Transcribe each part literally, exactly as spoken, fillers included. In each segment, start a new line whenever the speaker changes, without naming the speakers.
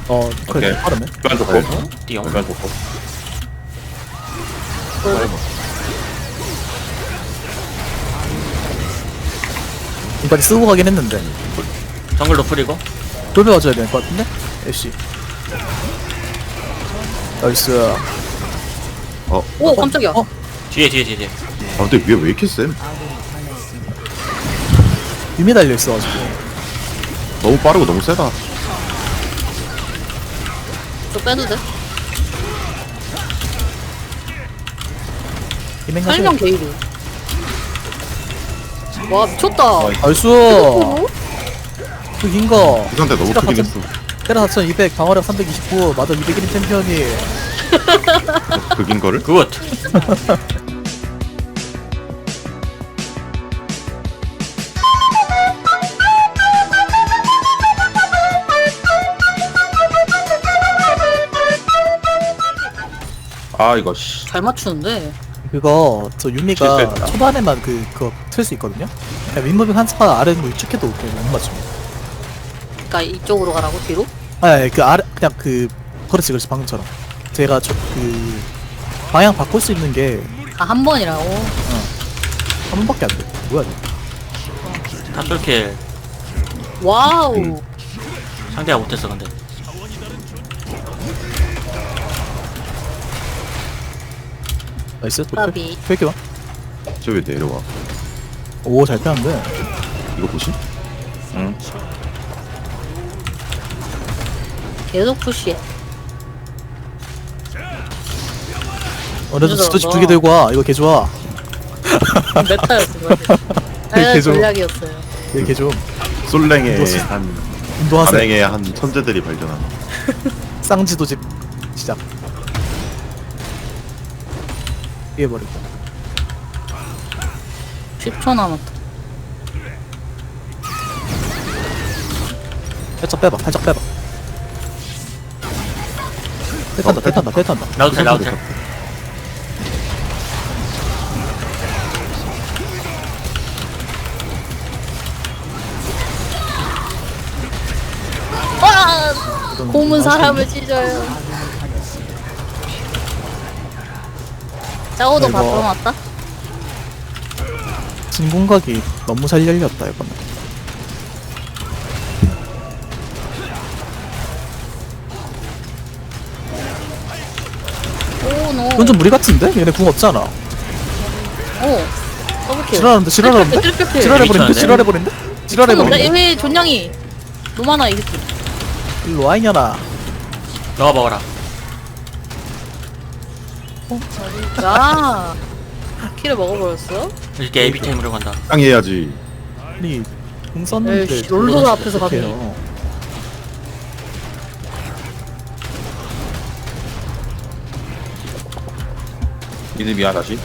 어 그래
오케이.
빠르네.
일반 좋고.
띠용.
일반 좋고.
이까지 쓰고 가긴 했는데
정글 노플이고.
돌배 와줘야 될 것 같은데? 애쉬 나이스.
오 깜짝이야.
어?
뒤에 뒤에 뒤에 뒤에.
아 근데 위에 왜 이렇게 쌤?
유미 달려있어가지고
너무 빠르고 너무 세다.
저 빼도 돼?
이맹가
설명 게이드. 와 미쳤다.
나이스.
어?
그 긴거
이 상태 너무
시작
크긴
사천-
했어.
테라 사천이백 방어력 삼백이십구 마더 이백일 챔피언이
극인 거를?
굿.
아 이거 씨.
잘 맞추는데.
그거 저 유미가
실수했다.
초반에만 그 그거 틀 수 있거든요. 그냥 윗무빙 한 스파 아래 뭐 위축해도 그냥 못 맞춥니다.
그러니까 이쪽으로 가라고 뒤로?
아니 그 아래 그냥 그 그렇지 그렇지 방금처럼 제가 저 그 방향 바꿀 수 있는 게 한
아 한 번이라고.
번밖에 안 돼. 뭐야 이거.
탑솔킬.
와우.
음.
상대가 못했어 근데.
나이스.
까비.
펼게 봐.
저 왜 내려와?
오잘 피하는데.
이거 보시? 응.
계속 푸시해.
어래도
늦어서.
스토치 두개 들고 와. 이거 개 좋아.
메타였어 그거.
되게
아
좋아.
전략이었어요.
이거 개 좀.
솔랭의
이거
한
운동하세요.
발행의 한 천재들이 발견한.
쌍지도집 시작. 피해버리고.
십 초 남았다.
살짝 빼봐. 살짝 빼봐. 배 탄다. 배 탄다. 배 탄다.
나도 텔 나도 텔.
와!
이건
곰은
좀
사람을 찢어요. 짜오도
이거-
바텀 왔다?
진공각이 너무 잘 열렸다 이거는.
오 노.
이건 좀 무리 같은데? 얘네 궁 없잖아.
오. 더블킬.
지랄하는데 지랄하는데?
트리플킬.
지랄해버린데?
미쳤는데?
지랄해버린데?
나
지랄해버린데?
왜 존냥이 노마나 이 새끼.
일로 와 이년아.
너가 먹어라.
야. 키를 먹어버렸어?
이렇게 에이비템으로 간다.
땅 해야지.
아니 궁 썼는데
에이씨, 롤러가 앞에서 가네.
어떡해요.
믿음이야 다시.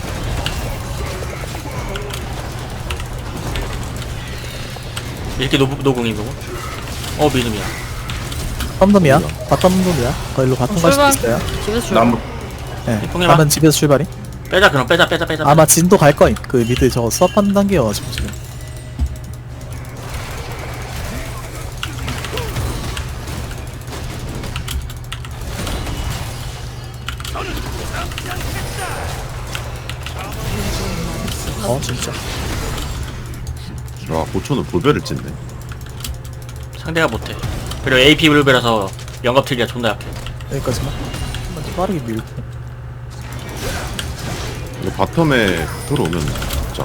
이렇게 노, 노궁이고. 어 믿음이야.
덤덤이야? 바텀덤이야? 거기로 바텀 갈 수도
출발.
있어요.
집에서 줄.
남
네.
형님아.
가면 집에서 출발이?
빼자 그럼 빼자 빼자 빼자.
아마 진도 갈 거임. 그 미드 저거 수업하는 단계여가지고 지금. 어 진짜.
와 고초는 볼배를 찢네.
상대가 못해. 그리고 에이피 블루베라서 영겁 틀기가 존나 약해.
여기까지만. 한번 더 빠르게 밀고.
이거 바텀에 들어오면 진짜.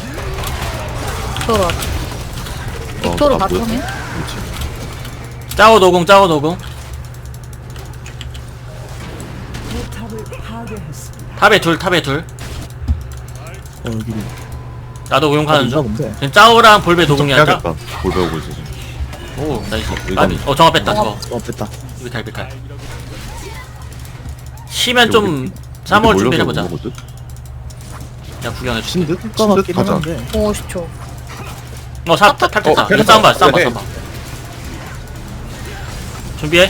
빅토르. 빅토르
어, 아,
바텀에?
그렇지.
짜오 노궁 짜오 노궁. 탑에 둘 탑에 둘.
어 여기.
나도 우용 가는
있나
중.
본데.
지금 짜오랑 볼베 노궁이 할까?
해야겠다. 볼배 오고 있어.
오 나이스.
이건-
아비. 어 정화 뺐다 저거.
어 뺐다.
비칼 비칼. 쉬면 좀 싸먹을 준비를 해보자. 그냥 구경해줄게.
신듯?
효과
신듯
같기는
가자.
한데.
오 십 초.
어, 사, 탈, 탈, 탈,
어,
탈.
그래,
이거 싸움 봐, 싸움 봐,
그래.
싸움 봐. 준비해.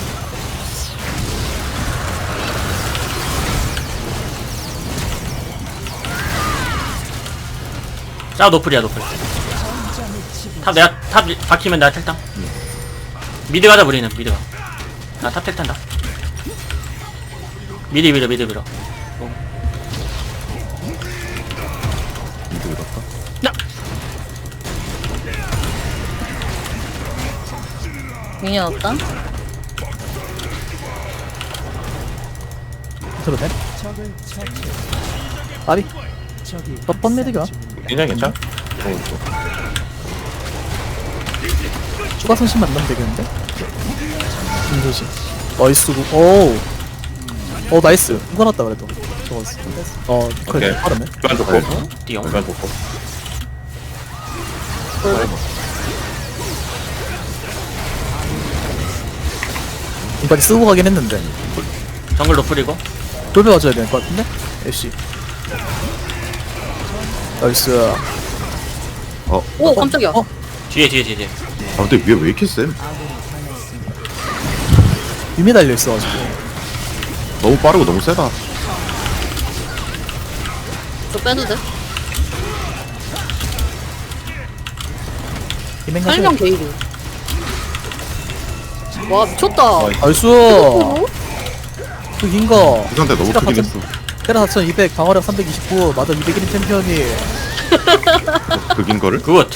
짜 노플이야, 노플. 탑 내가, 탑 박히면 내가 탈당. 미드 가자, 우리는, 미드가. 아 탑텔 탄다. 미리 밀어 미리 밀어.
이거 이렇다.
야!
미니언 없다.
들어도 돼? 아비 몇번 메디가
괜찮 괜찮?
추가 손실 만나면 되겠는데? 김조심 나이스고 오우 어 나이스 이거 났다 그래도 저거 어 그래
오케이.
빠르네
교환 좋고
띠용.
교환 좋고
이까지 쓰고 가긴 했는데
정글 노플이고.
돌배 가져야 될 것 같은데? 애쉬 나이스
오 깜짝이야.
어?
뒤에 뒤에 뒤에 뒤에.
아 근데 위에 왜 이렇게 쎄?
유미 달려있어가지고
너무 빠르고 너무 세다.
저 빼도 돼?
이맹
설명
가져야
게이드. 와 미쳤다.
나이스 그긴거
이 상태 너무
시작
크긴
가자.
했어.
테라 사천이백 방어력 삼백이십구 마더 이백일 챔피언이
그긴 거를?
굿.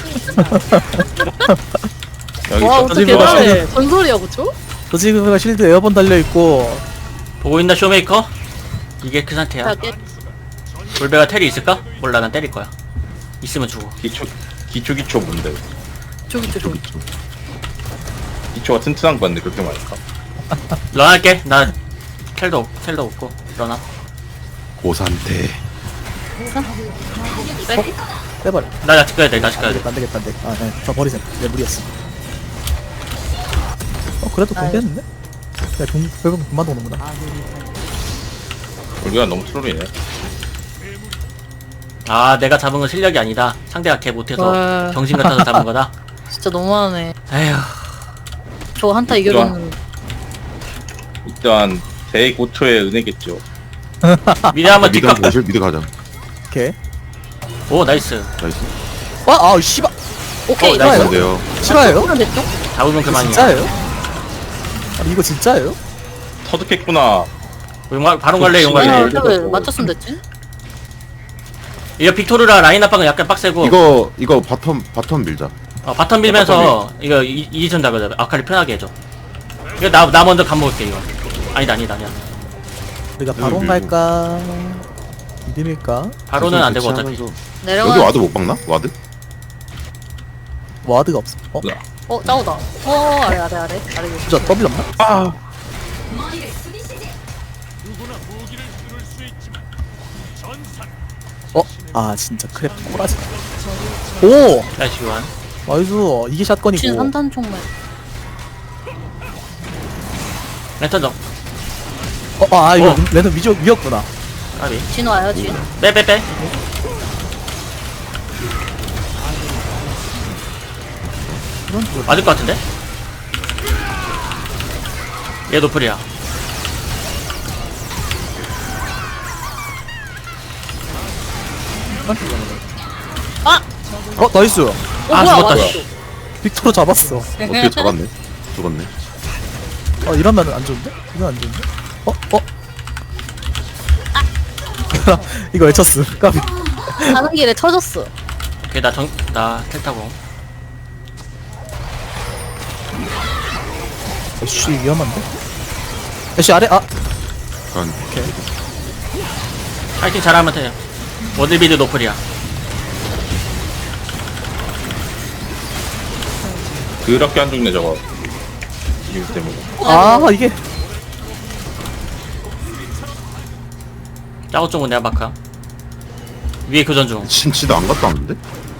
여기
와
있어.
어떻게
저지 마.
대단해. 전설이야 그쵸?
저지그가 실드 에어본 달려있고
보고 있나 쇼메이커? 이게 그 상태야.
자 깨.
돌배가 텔이 있을까? 몰라 난 때릴 거야. 있으면 주고.
기초 기초 기초 뭔데?
저기 저기.
기초가 튼튼한 건데 그렇게 말할까?
런할게. 나 텔도 없- 텔도 없고 런아.
고산태.
빼.
빼버려
나 아직 가야 돼. 나 아직 가야 돼.
안되겠다 안되겠다 안되겠다 아네저 버리세요 내 무리였어 어 그래도
아유.
공개했는데? 야 공, 결국 그만 오는구나
우리가 너무 트롤이네.
아 내가 잡은 건 실력이 아니다. 상대가 개 못해서
와.
정신 같아서 잡은 거다.
진짜 너무하네.
에휴.
저 한타 이겨줬는.
일단 대고초의 은혜겠죠.
미리 한번
미드
뒷각.
한번 보실? 미드 가자.
오케이
오 나이스.
나이스.
와 아우 씨발
오케이.
어,
나이스.
나이스.
안돼요.
실화예요?
그럼 됐죠?
잡으면
이거
그만이야.
진짜예요? 아니 이거 진짜예요?
터득했구나.
용갈 바로 갈래 용
그렇지.
아,
갈래.
네.
근데 왜 맞췄으면 됐지?
이거 빅토르라 라인 압박은 약간 빡세고.
이거 이거 바텀 바텀 밀자.
어, 바텀 빌면서 이거 이- 이전 잡아야 돼. 아칼리 편하게 해줘. 이거 나, 나 먼저 간 먹을게 이거. 아니다 아니다 아니야.
우리가
여기
바론
밀고.
갈까? 믿음일까?
바로는 안 되고 어차피.
대치하면서.
내려가.
여기 와드 못 박나? 와드?
와드가 없어 어?
어 짜오다. 어 아래 아래 아래 아래.
진짜 더블 없나?
아
어? 아 진짜 크랩 꼬라지 오!
나이스 교환.
나이스 이게
진
샷건이고
삼탄 총말.
랜턴 점.
어? 아 이거
어.
랜덤 위적 위였구나
까비.
진 와요 진.
빼 빼 빼.
이건 뭐
맞을 것 같은데? 얘 노플이야.
아!
어? 나이스
어
아,
뭐야
죽었다,
맞았어.
씨.
빅토르 잡았어
어떻게 잡았네? 죽었네.
어 이러면 안 좋은데? 이건 안 좋은데? 어? 어? 이거 외쳤음 까비
가는 길에 터졌어.
오케이 나 정, 나 텔타고.
애쉬 위험한데? 애쉬 아래? 아!
약간
파이팅 잘하면 돼. 워들비드 노플이야.
그렇게 안 죽네 저거. 이유 때문에.
아 이게
짜고 쪽은 내가 마카. 위에 교전 중.
진치도 안 갔다 왔는데?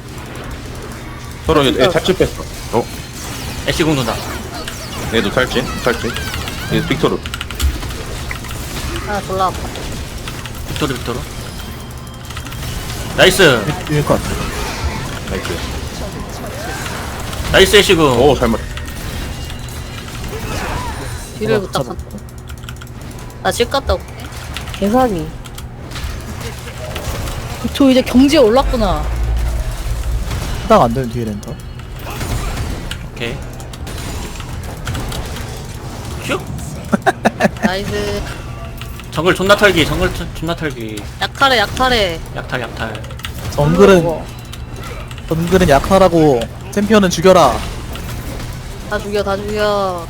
서로 얘 탈출 뺐어.
어?
애쉬 공돈다.
얘도 탈진 탈진. 얘 빅토르.
아 졸라 아파.
빅토르 빅토르. 나이스.
이길 것 같아
나이스.
나이스 애쉬 공.
오 잘못.
뒤를
어,
부탁한다. 나집 갔다 올게. 개사기. 저 이제 경지에 올랐구나.
해당 안 되는 뒤에 랜턴
오케이. 슉.
나이스.
정글 존나 털기 정글 트- 존나 털기
약탈해 약탈해.
약탈 약탈
정글은
먹어.
정글은 약하라고. 챔피언은 죽여라.
다 죽여 다 죽여.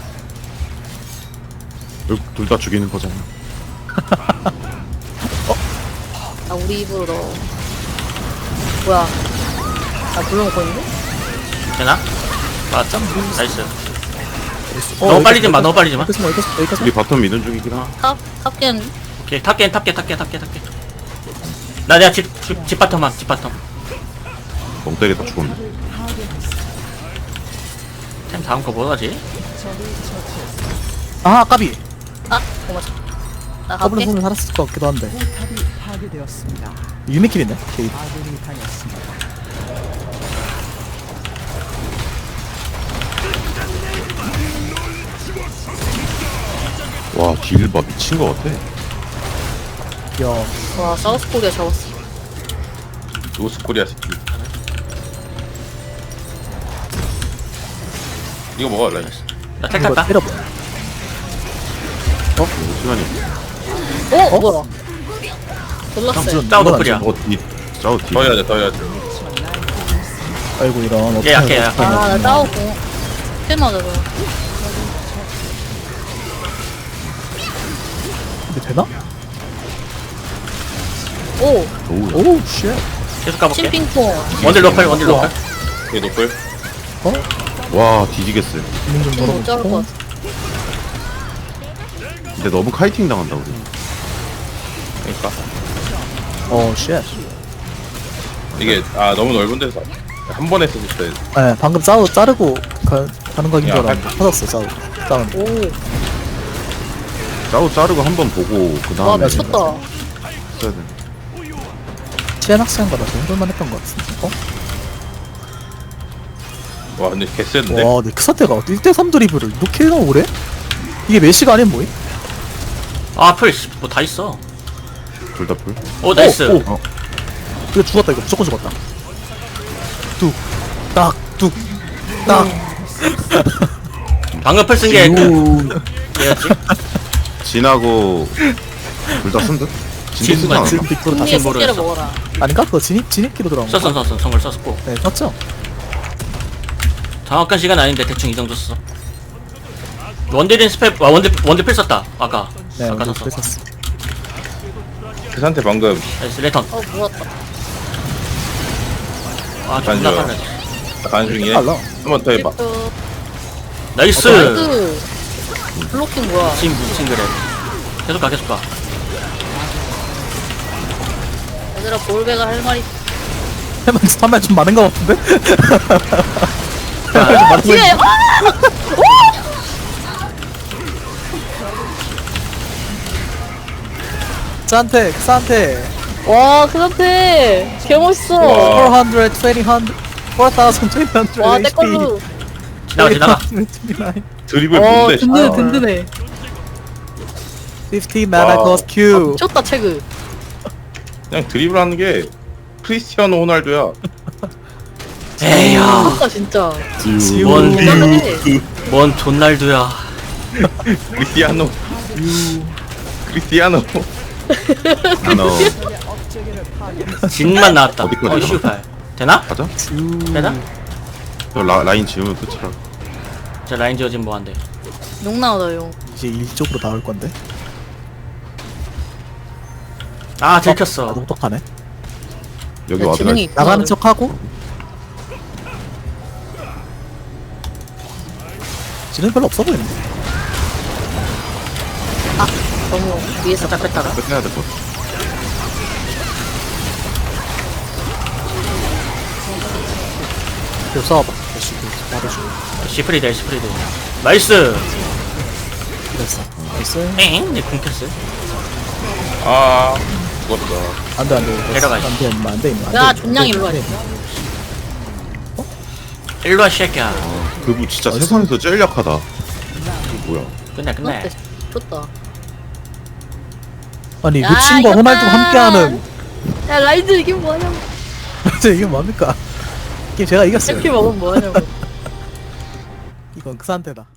둘 다 죽이는 거잖아.
아 우리 입으로 넣어. 뭐야? 나 불러먹고 있는데?
되나? 맞죠? 나이스
어,
너무 빨리
여기까지,
좀 마, 너무 빨리 좀 마.
여기까지, 여기까지, 여기까지.
우리 바텀 미는 중이긴 하.
탑 탑겐.
오케이 탑겐 탑겐 탑겐 탑겐 탑겐 나 내가 집, 집, 집 바텀만 집 바텀
멍 때리다 죽었네.
템 다음 거 뭐하지?
아 까비.
아 고마워. 나
더블
갈게.
손을 살았을 것 같기도 한데. 유니킬이네. 오케이.
와 딜봐 미친 거 같아.
야,
와 사우스 코리아 잡았어.
노스코리아 새끼. 이거 먹어 라인.
나 텔
이거
탔다
때려봐.
이거 시간이.
어? 뭐야? 놀랐어요.
무슨
싸우
이건
노플이야.
안
어 딜. 짜오 딜.
더 해야 돼, 더 해야 돼.
돼. 아이고 이런. 어떡해,
약해, 약해.
어떡하냐.
아나 싸우고. 킬 맞아 저.
근데 되나?
오
오우.
오우 쉣.
계속 가볼게
심핑퐁.
원딜 로컬 원딜 로컬
이게 노플.
어?
와 뒤지겠어요.
있는 좀
못 자를 것
걸어놓고.
같아.
근데 너무 카이팅 당한다 우리.
그러니까
어 쉣.
이게 아 너무 넓은 데서 한 번에 쓰고 있어야 돼.
네, 방금 싸우 자르고 가, 가는 거인 줄
야,
알았는데 터졌어 싸우. 싸우.
오.
짜오 자르고 한 번 보고 그
와
다음에
미쳤다.
써야 돼.
치안 학생 거라 정도만 했던 것 같은데. 어?
와 근데 개쎄는데.
와, 근데 그 사태가 일 대 삼 드리블을 이렇게나 오래? 이게 메시가 아니면 뭐임?
아풀뭐 다 있어
둘 다 풀.
오 나이스
오, 오. 이거 죽었다 이거 무조건 죽었다. 뚝, 딱, 뚝, 딱.
방금 풀 쓴게
오.
얘였지?
진하고 둘 다 쓴 듯? 진도 쓰지
진만
않았나?
지금 빅토르 다
승리의
썼어.
꽃게를
모르겠어.
먹어라.
아닌가? 그거 진입 진입기로 들어간 거.
썼어 썼어 정글 썼고
네, 썼죠.
정확한 시간 아닌데 대충 이 정도 썼어 원딜인 스펙 와 원딜 원딜 필 썼다 아까
네,
아까
오늘
썼어
그랬었어.
그 상태 방금
나이스 레턴
어 물었다.
아 존나
맞아.
빨라
가는 중이네.
빨라.
한 번 더 해봐.
또
나이스
나이스. 블로킹 뭐야?
지금 무슨 그래 계속 가 계속 가
얘들아 볼베가 할 말이.
해만 판매 좀 많은 거 같은데?
아,
뒤에 아!
산테, 산테.
와, 그 상태 개멋있어.
와.
사백이십, 이백, 사천이백.
와, 내 걸로.
지나가 지나가
이십구,
드리블
와,
뭔데?
든든해,
아,
든든해.
십오 mana
와.
cost Q.
미쳤다, 체그.
그냥 드리블 하는 게 크리스티아노 호날두야.
에이야
미쳤다, 진짜.
뭔
든든해.
뭔 존날두야
크리스티아노. 크리스티아노.
하나.
진만 나왔다
어디까지
어 슈팔 되나?
가자.
되나?
저 라, 라인 지우면 끝이라.
저 라인 지어진 뭐한데
용 나오다, 용.
이제 일쪽으로 나올 건데.
아
아,
들켰어
똑똑하네.
여기
야,
와드.
지능이 있구나.
나가는 척 하고. 지능 별로 없어 보이는데.
너무 위에서.
살짝 뺐다가
끝내야 될 것 같아.
이거 싸워봐. 다시 말해주고.
시프리드 시프리드 나이스
그랬어. 됐어.
엥? 내 궁켰어
아 죽었어.
안돼 안돼.
내려가,
안돼 임마 안돼 임마.
야, 존냥 일로 와.
일로와 쉐끼야
그분 진짜
어디서?
세상에서 제일 약하다. 이게 뭐야?
끝내 끝내
좋다.
아니
야,
루친과
이겼다.
호날두 함께하는.
야, 라이즈 이게 뭐하냐고.
이게 뭡니까? 게임 제가 이겼어요.
이렇게 먹으면 뭐하냐고.
이건 그 상태다.